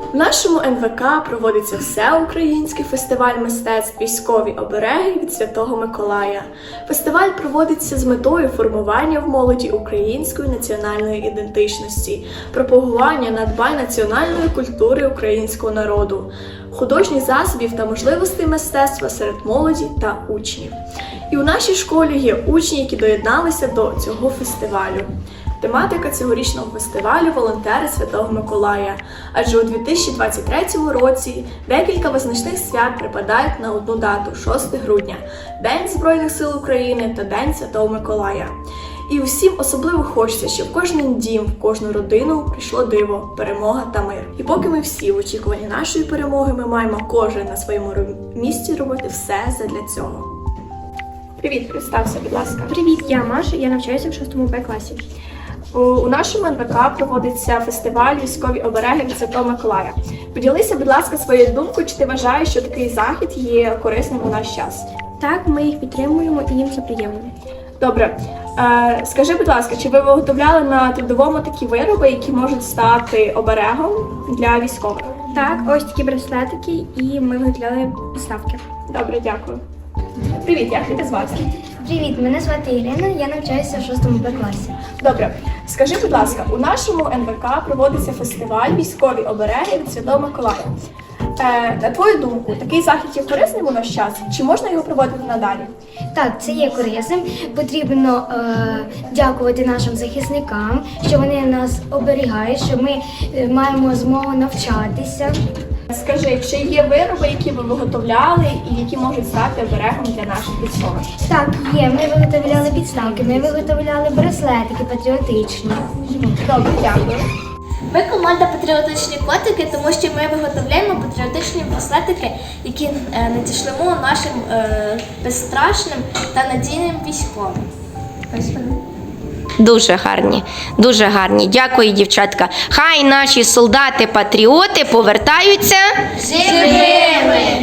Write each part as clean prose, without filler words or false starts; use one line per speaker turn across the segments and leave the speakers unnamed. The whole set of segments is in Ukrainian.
В нашому НВК проводиться всеукраїнський фестиваль мистецтв «Військові обереги» від Святого Миколая. Фестиваль проводиться з метою формування в молоді української національної ідентичності, пропагування надбань національної культури українського народу, художніх засобів та можливостей мистецтва серед молоді та учнів. І у нашій школі є учні, які доєдналися до цього фестивалю. Тематика цьогорічного фестивалю – волонтери Святого Миколая, адже у 2023 році декілька визначних свят припадають на одну дату – 6 грудня – День Збройних сил України та День Святого Миколая. І усім особливо хочеться, щоб в кожен дім, в кожну родину прийшло диво, перемога та мир. І поки ми всі в очікуванні нашої перемоги, ми маємо кожен на своєму місці робити все задля цього. Привіт, представся, будь ласка.
Привіт, я Маша, я навчаюся в 6 Б класі.
У нашому НВК проводиться фестиваль «Військові обереги» від Святого Миколая. Поділися, будь ласка, своєю думкою, чи ти вважаєш, що такий захід є корисним у наш час?
Так, ми їх підтримуємо і їм це приємно.
Добре. Скажи, будь ласка, чи ви виготовляли на трудовому такі вироби, які можуть стати оберегом для військових?
Так, ось такі браслетики, і ми виготовляли підставки.
Добре, дякую. Привіт, як тебе звати?
Привіт, мене звати Ірина, я навчаюся в 6 Б класі.
Добре. Скажи, будь ласка, у нашому НВК проводиться фестиваль «Військові обереги» від Святого Миколая. На твою думку, такий захід є корисним у наш час? Чи можна його проводити надалі?
Так, це є корисним. Потрібно дякувати нашим захисникам, що вони нас оберігають, що ми маємо змогу навчатися.
Скажи, чи є вироби, які ви виготовляли і які можуть стати оберегом для наших військових?
Так, є. Ми виготовляли підставки, ми виготовляли браслетики патріотичні.
Добре, дякую.
Ми команда «Патріотичні котики», тому що ми виготовляємо патріотичні браслетики, які надішлемо нашим безстрашним та надійним військовим.
Дуже гарні, дуже гарні. Дякую, дівчатка. Хай наші солдати-патріоти повертаються
Живими!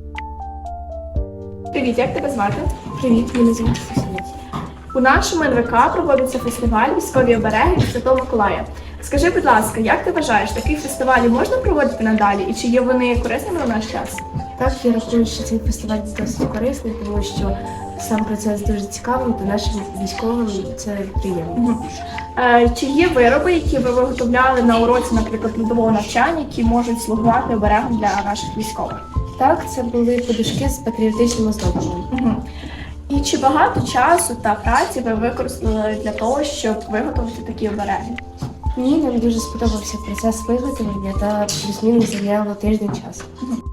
Привіт, як тебе звати?
Привіт, мене звати Софія.
У нашому НВК проводиться фестиваль «Військові обереги» від Святого Миколая. Скажи, будь ласка, як ти вважаєш, такі фестивалі можна проводити надалі і чи є вони корисними у наш час?
Так, я рахую, що цей фестиваль досить корисний, тому що сам процес дуже цікавий, та нашим військовим це приємно.
Чи є вироби, які ви виготовляли на уроці, наприклад, трудового навчання, які можуть слугувати оберегом для наших військових?
Так, це були подушки з патріотичним оздобленням.
І чи багато часу та праці ви використали для того, щоб виготовити такі обереги?
Ні, нам дуже сподобався процес виготовлення та плюс-мінус зайняло тиждень часу.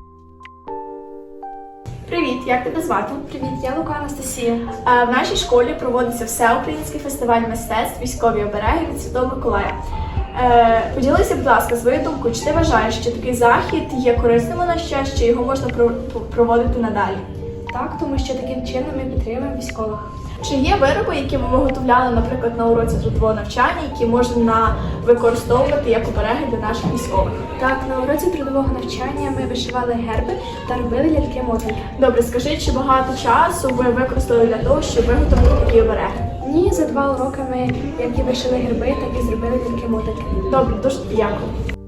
Привіт, як тебе звати?
Привіт, я Лука Анастасія.
В нашій школі проводиться всеукраїнський фестиваль мистецтв «Військові обереги» від Святого Миколая. Поділися, будь ласка, своєю думкою, чи ти вважаєш, що такий захід є корисним у наш час, чи його можна проводити надалі?
Так, тому що таким чином ми підтримуємо військових.
Чи є вироби, які ви виготовляли, наприклад, на уроці трудового навчання, які можна використовувати як обереги для наших військових?
Так, на уроці трудового навчання ми вишивали герби та робили ляльки-мотанки.
Добре, скажи, чи багато часу ви використали для того, щоб виготовити такі обереги?
Ні, за 2 уроки ми як і вишили герби, так і зробили ляльки-мотанки.
Добре, дуже дякую.